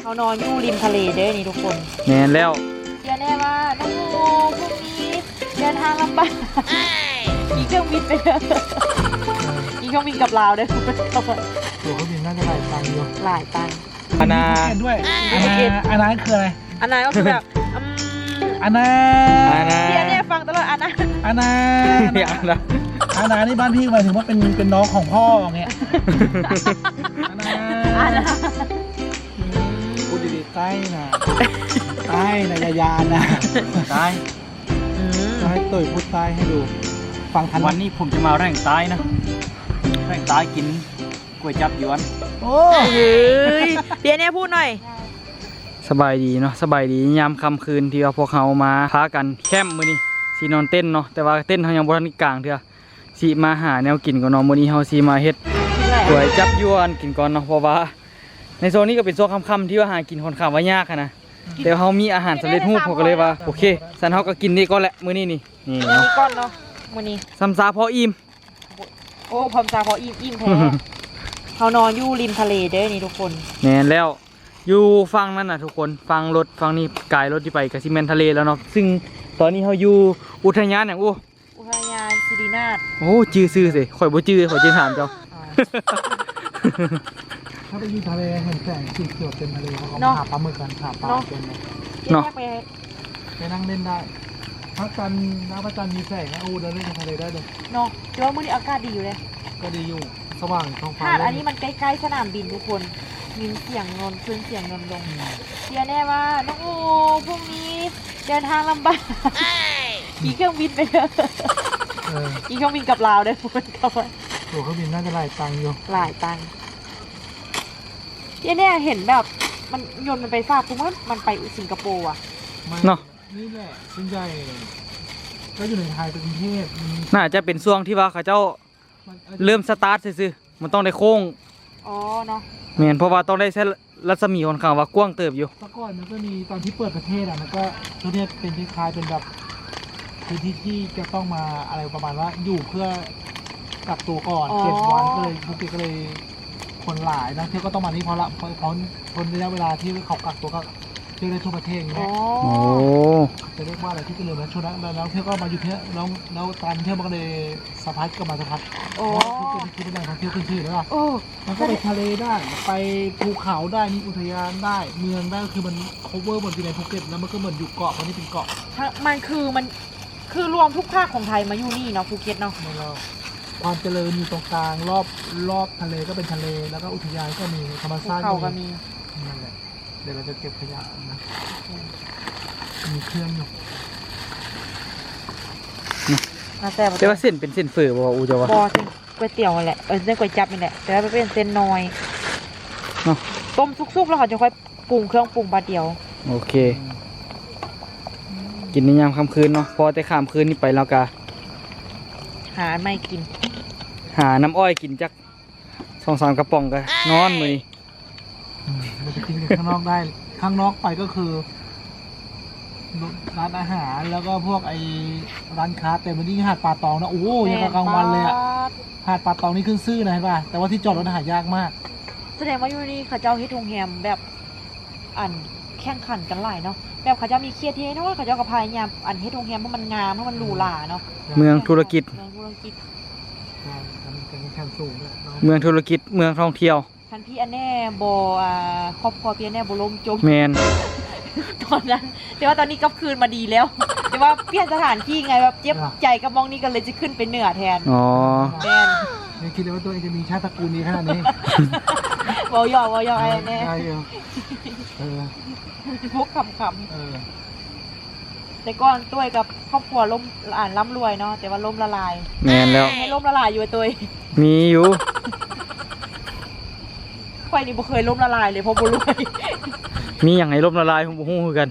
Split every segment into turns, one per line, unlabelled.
เขานอนอยู่ริมทะเลเด้อนี่ทุกคน
แน่นแล้ว
เชื่อแน่ว่าน้องโมพรุ่งนี้เดินทางลำบากมีเครื่องบินไปเด้อมีเครื่องบินกับลาวเด้อ
ตัวเครื่องบินน่าจะหลายตังค์อยู่
หลายตังค์
อาณา
ด้วยอาณาคืออะไร
อันนั้นก็คือแบบ
อาณา
เชื่อแน่ฟังตลอดอันนั้น
อาณา
อย่างนะ
อาณานี่บ้านพี่หมายถึงว่าเป็นน้องของพ่ออย่างเงี้ยอาณาพูดดีๆใต้นะใต้นะยานะใต้จะให้ตุ๋ยพูดใต้ให้ดูฟังทัน
วันนี้ผมจะมาแร่งใต้นะแร่งใต้กินก๋วยจับยวน
โอ้
เฮ้ยเปียเนี่ยพูดหน่อย
สบายดีเนาะสบายดียามค่ำคืนที่ว่าพวกเขามาพากันแคมป์มื้อนี้สีนอนเต้นเนาะแต่ว่าเต้นเขายังบ่ทันกลางเถอะสีมาหาแนวกินก่อนเนาะมื้อนี้เฮาสีมาเฮ็ดก๋วยจับยวนกินก่อนเนาะเพราะว่าในโซนนี้ก็เป็นโซนค่ำๆที่ว่าหากินค่อนข้างว่ายากอะนะแต่เฮามีอาหารสำเร็จรูปผมก็เลยว่าโอเคสันเฮาก็กินนี่ก็แหละมื้อนี้นี่เนาะ
มีก้อนเนาะมื้อนี้
ซ้ำซาพออิ่ม
โอ้พร้อมจ้าพออิ่มแท้เขานอนอยู่ริมทะเลเด้อนี่ทุกคน
แน่นแล้วอยู่ฟังนั่นน่ะทุกคนฟังรถฟังนี่กายรถที่ไปกับซีเมนทะเลแล้วเนาะซึ่งตอนนี้เขาอยู่อุทยานอย่าง
อุทยานสิรินาถ
โอ้จื้อซื่อสิข่อยบ่จื้อข่อยจื้อถามเจ้า
ถ้าไปอยู่ทะเลเห็นแสงสีเขียวเต็มทะเลเขาหาปลาหมึกกันหาปลาเต็มเลย
เนาะ
ไปนั่งเล่นได้พระจันทร์น้ำพระจันทร์มีแสงนะเดินเล่นในทะเลได้เลย
เนาะเดี๋ยวมื้อนี้อากาศดีอยู่เลย
ก็ดีอยู่สว่างท้องฟ้า
หาดอันนี้มันใกล้ๆสนามบินทุกคนมีเสียงนนขึ้นเสียงนนลงเชื่อแน่ว่าน้องโมพรุ่งนี้เดินทางลำบากมีเครื่องบินไปเด้อมีเครื่องบินกับลาวเด้อกับ
ตัวเครื่องบินน่าจะหลายตังค์อยู่
หลายตังค์เนี่ยเห็นแบบมันยนต์มันไปฟากปุ๊บมันไปสิงคโปร์อ่ะ
เนาะ
นี่แหละส่วนใหญ่ก็อยู่ในไทยเป็นกรุงเทพ
น่าจะเป็นช่วงที่ว่าเขาเจ้าเริ่มสตาร์ทซื่อๆมันต้องได้โค้ง
อ๋อเนาะ
แม่นเพราะว่าต้องได้ใช้รัศมีค่อนข้างว่ากว้างเติบอยู่
เมื่อก่อนมันก็มีตอนที่เปิดประเทศมันก็ประเทศเป็นคล้ายๆเป็นแบบพื้นที่ที่จะต้องมาอะไรประมาณว่าอยู่เพื่อกักตัวก่อน7 วันก็เลยภูเก็ตก็เลยคนหลายนะเที่ยวก็ต้องมานี่เพราะเขาทนระยะเวลาที่เขากักตัวก็เที่ยวได้ทั่วประเทศอย่างเงี้ย
โอ้
จะเรียกว่าอะไรที่เจริญนะช่วงนั้นแล้วเที่ยวก็มาอยู่เที่ยวแล้วการเที่ยวมันก็เลยสะพัดก็มาสะพัดเพราะว่าภูเก็ตคือเป็นแหล่งท่องเที่ยวขึ้นชื่อแล้ว
โอ้
มันก็ไปทะเลได้ไปภูเขาได้มีอุทยานได้เมืองได้คือมัน cover หมดอยู่ในภูเก็ตแล้วมันก็เหมือนอยู่เกาะมันนี่เป็นเกาะ
มันคือรวมทุกภาคของไทยมาอยู่นี่เนาะภูเก็ตเนาะ
ในเราความเจริญอยู่ตรงกลางรอบทะเลก็เป็นทะเลแล้วก็อุทยานก็มีธรรม
ภู
ชาติ
เขาก็มี
นั่นแหละเดี๋ยวเราจะเก็บขยะนะมีเครื่องอยู่
แต่ว่าเส้นเป็นเส้นเฟอบ่อูจะว่า
บอสิก๋วยเตี๋ยวแหละเส้นก๋วยจั๊บนี่แหละแต่ว่าเป็นเส้นน้อย
เนาะ
ต้มซุกๆแล้วเขาจะค่อยปรุงเครื่องปรุงบาเดียว
โอเค กินในยามค่ำคืนเนาะพอแต่ค่ำคืนนี่ไปแล้วก็
หาไม่กิน
หาน้ำอ้อยกินจัก2-3 กระป๋องก็นอนมื้อนี้
เราจะกินข้างนอกได้ข้างนอกไปก็คือร้านอาหารแล้วก็พวกไอ้ร้านค้าแต่วันนี้หาดป่าตองนะโอ้ยยังกับกลางวันเลยอะหาดป่าตองนี่ขึ้นซื่อนะเห็นป่ะแต่ว่าที่จอดรถหายากมาก
แสดงว่าอยู่นี่เขาเจ้าเฮ็ดโรงแรมแบบแข่งขันกันหลายเนาะแบบเขาเจ้ามีเครียดเทเนาะเขาเจ้าก็พยายามเฮ็ดโรงแรมเพราะมันงามเพราะมันหรูหราเนาะ
เมืองธุรกิจ
เมืองธุรกิจ
การแข่งสูงด้วยเนาะ
เมืองธุรกิจเมืองท่องเที่ยว
ทันพี่อันแน่บ่ครอบครัวพี่อันแน่บ่ล่มจม
แมน
ตอนนั้นแต่ว่าตอนนี้กลับคืนมาดีแล้ว แต่ว่าเปลี่ยนสถานที่ไงแบบเจ็บใจกับมองนี่ก็เลยจะขึ้นไปเหนือแทน
อ๋อ
แมน
ไม่คิดเลยว่าตัวเองจะมีชาติตระกูลนี้ขนาดนี้
วอยไอ้แน่
ได้เออ
พวกขำ
เออ
ๆแต่ก่อนตัวกับครอบครัวล่มร่ำรวยเนาะแต่ว่าล่มละลาย
แมนแล้ว
ให้ล่มละลายอยู่ตัว
มีอยู่
ควายนี่บ่เคยล่มละลายเลยเพราะบ่รวย
มีอย่างให้ลบละลายผมบ่ฮู้คือกัน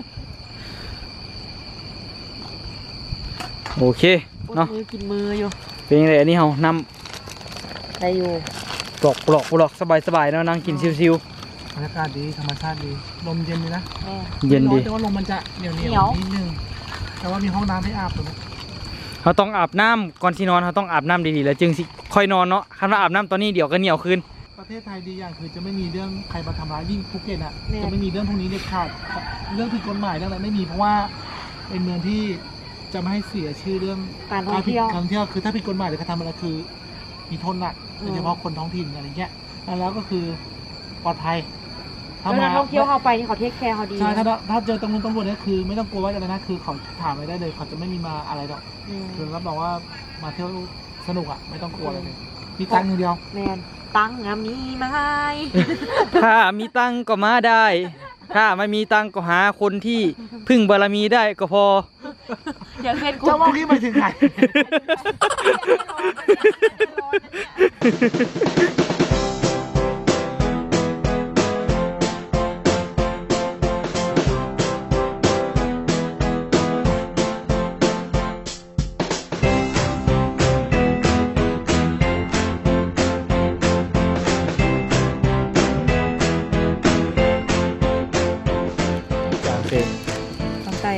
โอเคเนาะ
มือกินมืออยู่
เป็นยังไงอันนี้เฮานำ
ได้อยู่
ปลอกสบายๆเนาะนั่งกินชิว
บรรยากาศดีธรรมชาติดีลมเย็นดีนะ
แม่
ๆเย็นดี
แต่ว่าลมมันจะเหนียวนิดนึงแต่ว่ามีห้องน้ำให้อาบตรงนี้
เราต้องอาบน้ำก่อนที่นอนเราต้องอาบน้ำดีๆแล้วจึงสิค่อยนอนเนาะคันว่าอาบน้ำตอนนี้เดี๋ยวก็เหนียวคืน
ก็ประเทศไทยดีอย่างคือจะไม่มีเรื่องใครมาทำร้ายยิ่งภูเก็ตอ่ะจะไม่มีเรื่องพวกนี้เด็ดขาดเรื่องผิดกฎหมายเรื่องอะไรไม่มีเพราะว่าเป็นเมืองที่จะไม่ให้เสียชื่อเรื่อง
การท่องเที่ยว
การท่องเที่ยวคือถ้าผิดกฎหมายหรือการทำอะไรคือมีโทษหนักโดยเฉพาะคนท้องถิ่นอะไรเงี้ยแล้วก็คือปลอดภัย
แล้วนักท่องเที่ยวเข้าไปนี่เขาเทคแคร์เขาดี
ใช่ถ้าเจอตำรวจเนี่ยคือไม่ต้องกลัวว่าอะไรนะคือเขาถามอะไรได้เลยเขาจะไม่มีมาอะไรหรอก คือรับรองว่ามาเที่ยวสนุกอ่ะไม่ต้องกลัวอะไรเลยมีตังค์อย่างเดียว
แมนตังค์อะมีไหม
ถ้ามีตังค์ก็มาได้ ถ้าไม่มีตังค์ก็หาคนที่พึ่งบารมีได้ก็พอ
อย่างเช่นคุณ
เจ้าว่าพี่ไปถึงไหน
จางเฟร
ต้องใจ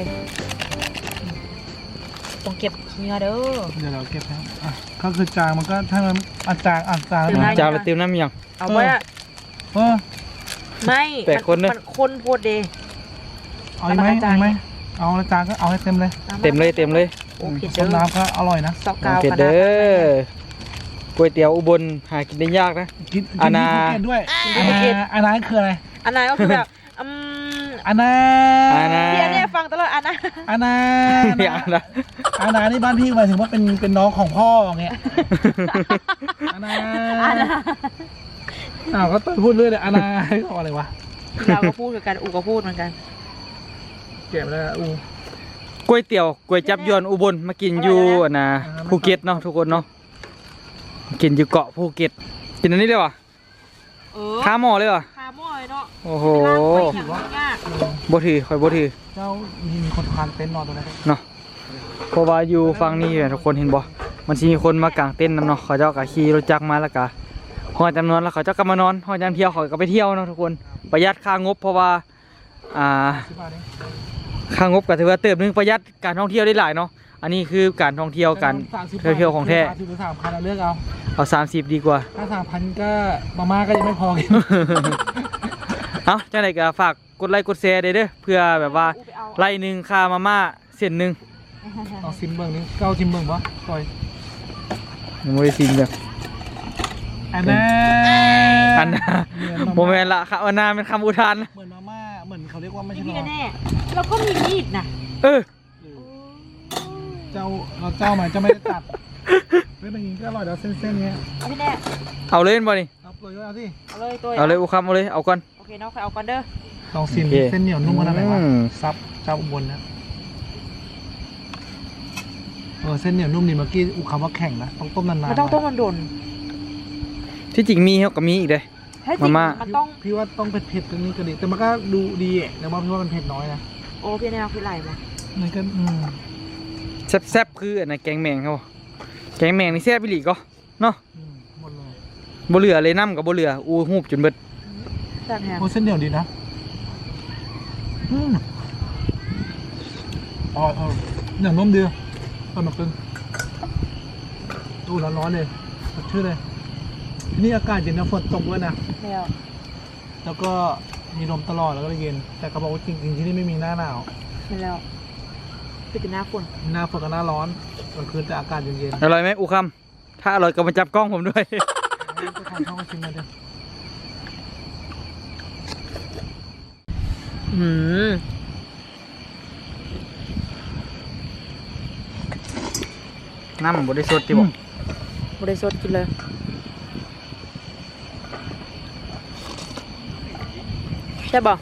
ต้องเก็บเนื้อเด้อ
เดี๋ยวเราเก็บแล้วอ่ะก็คือจางมันก็ถ้ามันอาจารย์
เดี๋ยวนะ
จางแล้วเติมน้ำยัง
เอาไว้อะ
เออ
ไม่
แต่คนเนอะ
มันคนโพดเด
เอาอีกไหมเอาอีกไหมเอาอาจารย์ก็เอาให้เต็มเลย
เต็มเลยเต็มเลย
โอเค
ต้
เด้
ม
อ
น้ำก็อร่อยนะ
ซอก
น้
กาว
เผ็ด
ขนา
เด้
ด
อก๋วยเตี๋ยวอุบลหากินได้ยากนะ
กิน
อาณา
ที่ภูเก็ตด้วยอาณาคืออะไร
อันนั้นก็คือแบบ
อาณา
อาณา
เดี๋ยวเนี่ยฟังตลอดอันนะ
อาณา
อย่างนะ
อาณานี่บ้านพี่หมายถึงว่าเป็นน้องของพ่ออย่างเงี้ยอาณา
อันนะ
อ้าวก็ต้นพูดเรื่อยเลยอาณาเอาอะไรวะ
เราก็พูดเหมือนกันอูก็พูดเหมือนกัน
เก็บแล้วอู
ก๋วยเตี๋ยวก๋วยจับยวนอุบลมากินอยู่นะภูเก็ตเนาะทุกคนเนาะกินอยู่เกาะภูเก็ตกินอันนี้เลยวะ
เออ
ข้าหม้อเลยวะ
คาร์มอยเนาะ
โอ้โห
ร้านไปอย่างยาก
บ่ถือคอยบ่ถือ
เจ้ามีคนทานเต็นท์นอนตรงนั้น
เนาะเพราะว่าอยู่ฝั่งนี้เนี่ยทุกคนเห็นบ่มันสิมีคนมากางเต็นท์นำเนาะเขาเจ้าก็ขี่รถจักรมาแล้วก็ฮอดจำนวนแล้วเขาเจ้าก็มานอนฮอดยามเที่ยวเขาก็ไปเที่ยวเนาะทุกคนประหยัดค่างบเพราะว่า
ที่บ้านนี้
ค่างบก็ถือว่าเติบนึงประหยัดการท่องเที่ยวได้หลายเนาะอันนี้คือการท่องเที่ยวการเที่ยวของแท้
30 หรือ 3,000เราเลือกเอา
เอา30ดีกว่า
ถ้า 3,000 ก็มาม่าก็ยังไม่พอกิน
เอาจังไดก็ฝากกดไลค์กดแชร์ได้เด้อเพื่อแบบว่าไล่หนึงค่ามาม่าเส้นหนึง
เอาซิมเบิ้งนี่เก้าซิมเบิ้งปะต่อย
ยังบ่ได้ซิมเด้อ
อันน่า
อันน่ะบ่แม่นละค่ะอันน่ะเป็นคำอุทานนะ
เหมือนมาม่าเหมือนเขาเรียกว่าไม่ใช่
พี่
หรอ
แน่แล้วก็มีมีดนะ
เออ
เจ้าหมายจะไม่ได้ตัดเฮ้ยมันยิงก็อร่อยแล้วเส้นๆเนี้ย
เอาพี่แน่
เอาเลยบ่นี่
เอาเลยก็เอาสิ
เอาเลยตัว
เอาเลยอุคำเอาเลยเอาก่อน
โอเคเนาะใครเอาก่อนเด้อ
ลองซิม
โอเค
เส้นเหนียวนุ่มขนาดไหนวะ
อืม
ซับเจ้าอุบลนะเส้นเหนียวนุ่มนี่เมื่อกี้อุคำว่าแข็งนะต้องต้มนานๆ
มันต้องต้มมันโดน
ที่จริงมีเขาก็มีอีกเด้
ให้จริง
มาม่า
มันต้อง
พี่ว่าต้องเผ็ดๆตรงนี้ก็ดีแต่มันก็ดูดีอ่ะแต่ว่าพี่ว่ามันเผ็ดน้อยนะ
โอ้พี่แน่คือไหลมา
มันก็
แซ่บๆคืออันนั้นแกงแมงครับบ่แกงแมงนี่แซ่บอีหลีก็เนาะ
หมดเลย
บ่เหลือเลยน้ำกับบ่เหลืออูหูบจนเบิด
แซ่บแฮม
โอ้เส้นเหนียวดีนะอ๋อเหนียวนุ่มดีตอนมาเป็นตู้ร้อนๆเลยสดชื่นเลยที่นี่อากาศเย็นนะฝนตกด้วยนะ
แล้ว
แล้วก็มีลมตลอดแล้วก็เย็น แต่เขาบอกว่าจริงๆที่นี่ไม่มีหน้าหนาว
เห็นแล้วเป็นหน้าฝน
หน้าฝนกับหน้าร้อนกลางคืนแต่อากาศเย็น
อร่อยไหมอูคำถ้าอร่อยก็มาจับกล้องผมด้วย
ๆก็ทานข้าวชิมมาเดี๋ยว
อืม
น้ำบ่ได้สดติบ่
บริสุทธิ์กินเลยใช่ป่ะ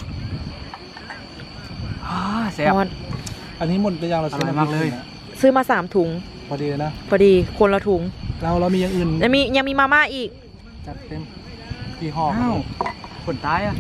แซ่บ
อันนี้หมดไปยังเรา
อร่อยมากเลย
ซื้อมา3 ถุง
พอดีเลยนะ
พอดีคนละถุง
เรามีอย่างอื่น
ยังมีมาม่าอีก
จัดเต็มกี่ห่อ
อ้าวคนตายอ่ะ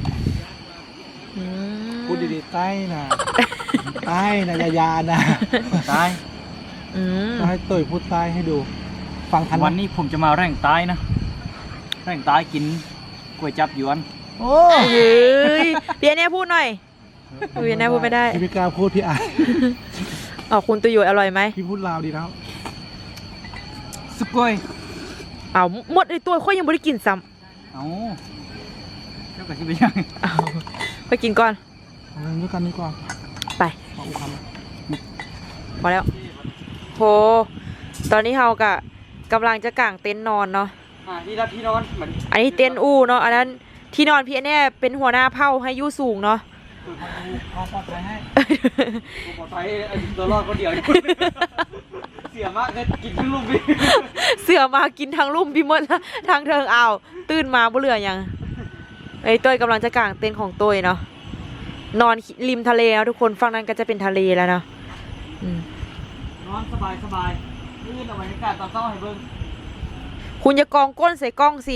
พูดดีๆใต้นะใต้นะยานะ
ตาย
อืม
จะให้เตยพูดใต้ให้ดู ฟังทันไหม
วันนี้ผมจะมาแร่งตายนะแร่งตายกินก๋วยจับหยวน
โอ้
เฮ้ยพี่แน่พูดหน่อย พี่แน่พูดไม่ได้
พี่ไม่กล้าพูดพี่อาย
อ๋อคุณตุยอร่อยไหม
พี่พูดลาวดีแล้ว
สุกอย
เอาหมดไอตัวค่อยยังไม่ได้กินซ้
อเอาเจ้าก็สิไปยัง
เอาไปกินก่อน
เอาเงินด้วยกันดีกว่า
ไป
เอาอุคำ
พอแล้วโหตอนนี้เฮากะกำลังจะกางเต็นท์นอนเนาะ
ที่รับที่นอนเหมือน
อันนี้เต็นท์อู้เนาะอันนั้นที่นอนพี่แน่เป็นหัวหน้าเผ่าให้อยู่สูงเนาะ
ความปลอดภัยให้
ผมขอไปตัวรอดคนเดียว เสียมากเลยกินทั้งลูกพี่
เสือมากินทางลุ่มพี่มดละทางเทิงอ้าวตื่นมาบ่เหลือยังไอ้ต้ยกำลังจะกางเต็นท์ของต้ยเนาะนอนริมทะเลนะทุกคนฝั่งนั้นก็จะเป็นทะเลแล้วเนาะอืม
นอนสบายสบายลื่นเอาบรรยากาศตอนเช้าให้เบิ่ง
คุณจะกองก้นใส่กล้องสิ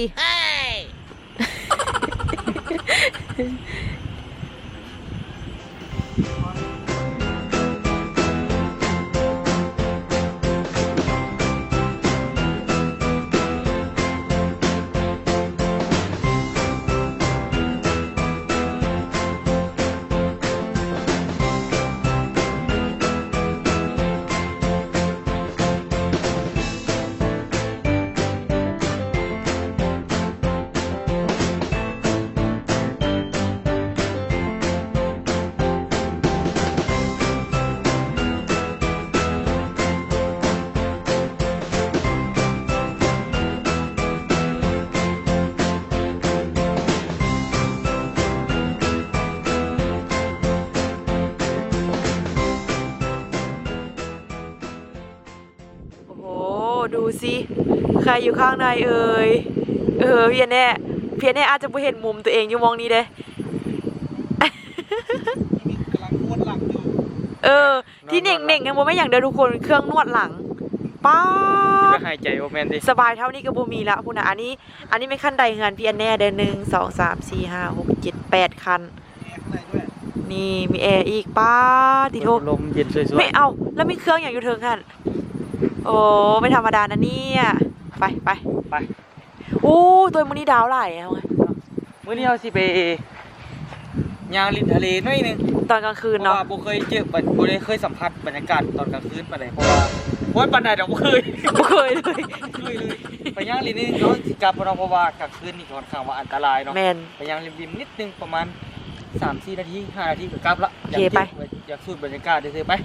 โอ้โหดูสิใครอยู่ข้างในเอ่ยเพียนแน่อาจจะไม่เห็นมุมตัวเองอยู่มองนี้เด้
กำลังนวดหลังอยู่
ที่เน่งๆยังบ่ไม่อย่างเดียวทุกคนเครื่องนวดหลังป๊า
ก็
บ
หายใจโอแมนดิ
สบายเท่านี้ก็บ่มีละพุ่นน่ะอันนี้ไม่ขั้นใดเงินพี่อันแน่เด้อ1 2 3 4 5 6 7 8คัน
แอร์ข้างในด้วย
นี่มีแอร์อีกป้าติโท
ลมเย็นสวย
ไม่เอาแล้วมีเครื่องอย่างอยู่เทิงคั่นโอ้ไม่ธรรมดานะเนี่ยไป
ๆไป
โอ้ตัวมื้อนี้ดาวหลายเอาไง
มื้อนี้เราสิไปย่างริมทะเลหน่อยหนึง
ตอนกลางคืน
เพราะ
เนาะ
ว่าบ่เคยเจอบ่ได้เคยสัมผัสบรรยากาศตอนกลางคืนปานใดเพราะว่าปานใดดอกบ่เคย
บ่เคยเลย
เลยไปย่างริมนี่เนาะสิกลับบ่เนาะเพราะว่ากลางคืนนี่ค่อนข้างว่าอันตรายเนาะ
แมน
ไปย่างริมๆนิดนึงประมาณ 3-4 นาที 5 นาทีก็กลับละ
โอเคไป
อยากสูดบรรยากาศซื่อๆไป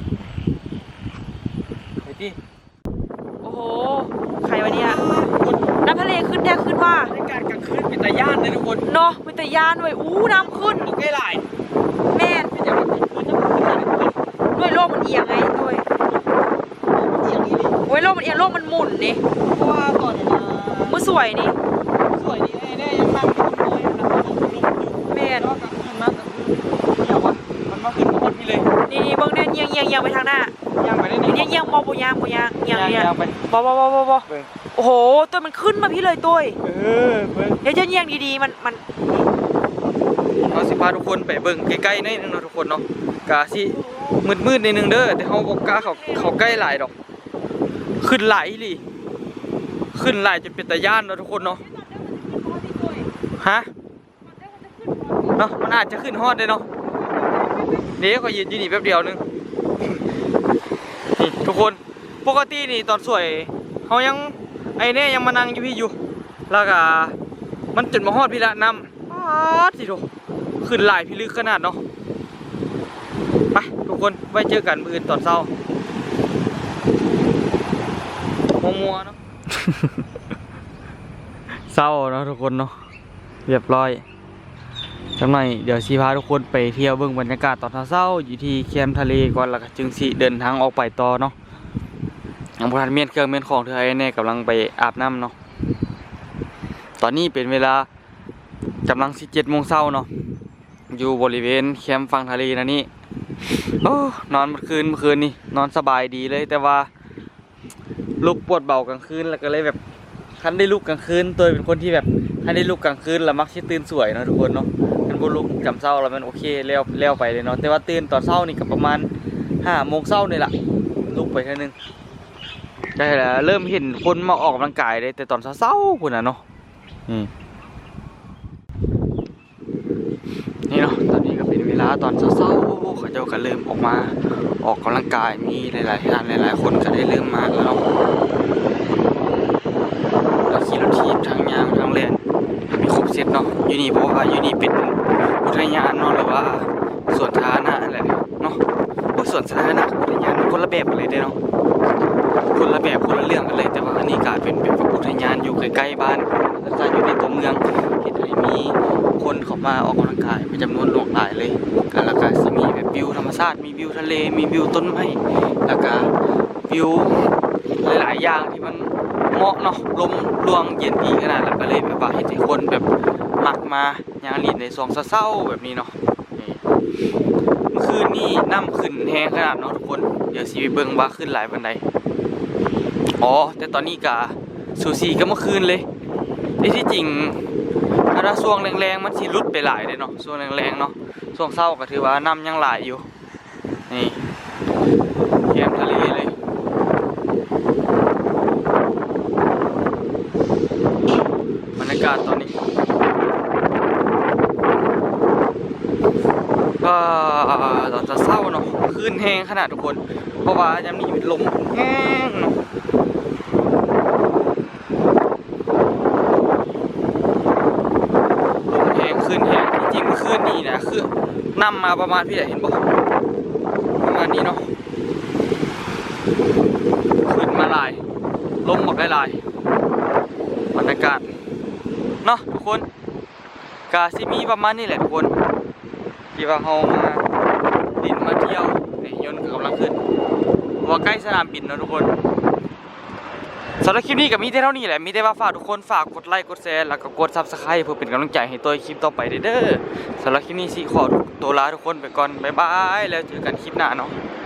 ไปติ
โอ้โหใครวะเนี่ยน้ำทะเลขึ้นแท้ขึ้นว่า
บรรยากาศกลางคืนเป็นตาย่านเลยทุกคน
เนาะเป็นแต่ยานด้วยอู้น้ำขึ้น
บ่ใกล้หลาย
แมน
เป็นอย่างว่ากลางคืนจะบ่ขึ้นหลายทุกคน
ด้วยโลกมันเอียงไงด้วย
เอียงอีหลี
โอ้ยโลกมันเอียงโลกมันหมุนนี่
เพราะว่าตอนนี้
มือสวยนี่
สวยดีแน่ๆยังนั่งอยู่เลยนะครับผมลงอยู่
แมน
แล้วก็กลางคืนมาอย่างว่ามันมาขึ้นมาคนพี่เลย
นี่เบิ่งเนี่ยเอียงไปทางหน้า
ย่างไปได้นี่
เอียงบ่ย่างเอียง
ย่างไป
บ่
เบิ่ง
โอ้โหตัวมันขึ้นมาพี่เลยตัว
เบิ่ง
เดี๋ยวจะเอียงดีๆมัน
เราสิพาทุกคนไปเบิ่งใกล้ๆหน่อยนึงเนาะทุกคนเนาะกะสิมืดๆนิดนึงเด้อแต่เฮาบ่กล้าเขาใกล้หลายดอกขึ้นหลายอีหลีขึ้นหลายจนเป็นตาย่านเนาะทุกคนเนาะฮะเนาะมันอาจจะขึ้นฮอดได้เนาะเดี๋ยวก็ยืนอยู่นี่แป๊บเดียวนึงนี่ทุกคนปกตินี่ตอนสวยเฮายังไอ้เนี่ยยังมานั่งอยู่พี่อยู่แล้วก็มันจนมาฮอดพี่ละนำป๊าดสิโถขึ้นหลายพี่ลึกขนาดเนาะไปทุกคนไว้เจอกันมื้ออื่นตอนเช้ามัวๆเนาะ เศร้าเนาะทุกคนเนาะเรียบร้อยจังหน่อยเดี๋ยวสิพาทุกคนไปเที่ยวเบิ่งบรรยากาศตอนเช้าอยู่ที่แคมป์ทะเลก่อนแล้วก็จึงสิเดินทางออกไปต่อเนาะยังบ่ทันเมียนเครื่องเมียนของเธอไอ้แน่กำลังไปอาบน้ำเนาะตอนนี้เป็นเวลากำลัง17 โมงเช้าเนาะอยู่บริเวณแคมป์ฝั่งทะเลนะนี่โอ้นอนเมื่อคืนนี่นอนสบายดีเลยแต่ว่าลุกปวดเบากลางคืนแล้วก็เลยแบบคันได้ลุกกลางคืนตัวเป็นคนที่แบบถ้าได้ลุกกลางคืนแล้วมักสิตื่นสวยเนาะทุกคนเนาะมันบ่ลุกจำเช้าแล้วมันโอเคแล้วไปเลยเนาะแต่ว่าตื่นตอนเช้านี่ก็ประมาณ5 โมงเช้านี่แหละลุกไปเท่านึงได้แล้วเริ่มเห็นคนมาออกกำลังกายเลยแต่ตอนเช้าๆพุ่นน่ะเนาะนี่เนาะตอนนี้ก็เป็นเวลาตอนเช้าๆเขาเจ้าก็เริ่มออกมาออกกำลังกายมีหลายๆท่านหลายๆคนก็ได้เริ่มมาแล้วเนาะแล้วขี่รถถีบทั้งยางทั้งเล่นมีครบเสร็จเนาะอยู่นี่เพราะว่าอยู่นี่เป็นอุทยานเนาะหรือว่าสวนสาธารณะแหละเนาะสวนสาธารณะอุทยานมันคนละแบบกันเลยเด้เนาะคนละแบบคนละเรื่องกันเลยแต่ว่าอันนี้ก็เป็นแบบอุทยานอยู่ใกล้ๆบ้านแล้วก็อยู่ในตัวเมืองเห็นให้มีคนเข้ามาออกกำลังกายเป็นจำนวนหลากหลายเลยแล้วก็สิมีแบบวิวธรรมชาติมีวิวทะเลมีวิวต้นไม้แล้วก็วิวหลายๆอย่างที่มันเหมาะเนาะลมรวงเย็นดีขนาดแล้วก็เลยแบบว่าเห็นให้คนแบบมักมาย่างลีนในซองเศร้าๆแบบนี้เนาะนี่เมื่อคืนนี่น้ำขึ้นแห้งขนาดเนาะทุกคนเดี๋ยวสิไปเบิ่งว่าขึ้นหลายปานใดอ๋อแต่ตอนนี้ก็สูสีก็เมื่อคืนเลยที่จริงถ้าช่วงแรงๆมันสิลุดไปหลายเลยเนาะช่วงแรงๆเนาะช่วงเศร้าก็ถือว่าน้ำยังหลายอยู่นี่แก้มทะเลเลยบรรยากาศตอนนี้ก็ตอนจะเศร้าเนาะคลื่นแห้งขนาดทุกคนเพราะว่ายังมีลมแห้งเนาะลมแห้งคลื่นแห้งจริงๆคลื่นนี่นะคือนำมาประมาณพี่เห็นบ่ประมาณนี้เนาะขึ้นมาลายลมบอกได้ลายบรรยากาศเนาะทุกคนกาซิมีประมาณนี้แหละทุกคนที่ว่าเรามาดินมาเที่ยวนี่ยนต์กำลังขึ้นว่าใกล้สนามบินเนาะทุกคนสำหรับคลิปนี้ก็มีแต่เท่านี้แหละมีแต่ว่าฝากทุกคนฝากกดไลค์กดแชร์แล้วก็กด Subscribe เพื่อเป็นกำลังใจให้ตัวคลิปต่อไปเด้อสำหรับคลิปนี้สิขอตัวลาทุกคนไปก่อนบ๊ายบายแล้วเจอกันคลิปหน้าเนาะ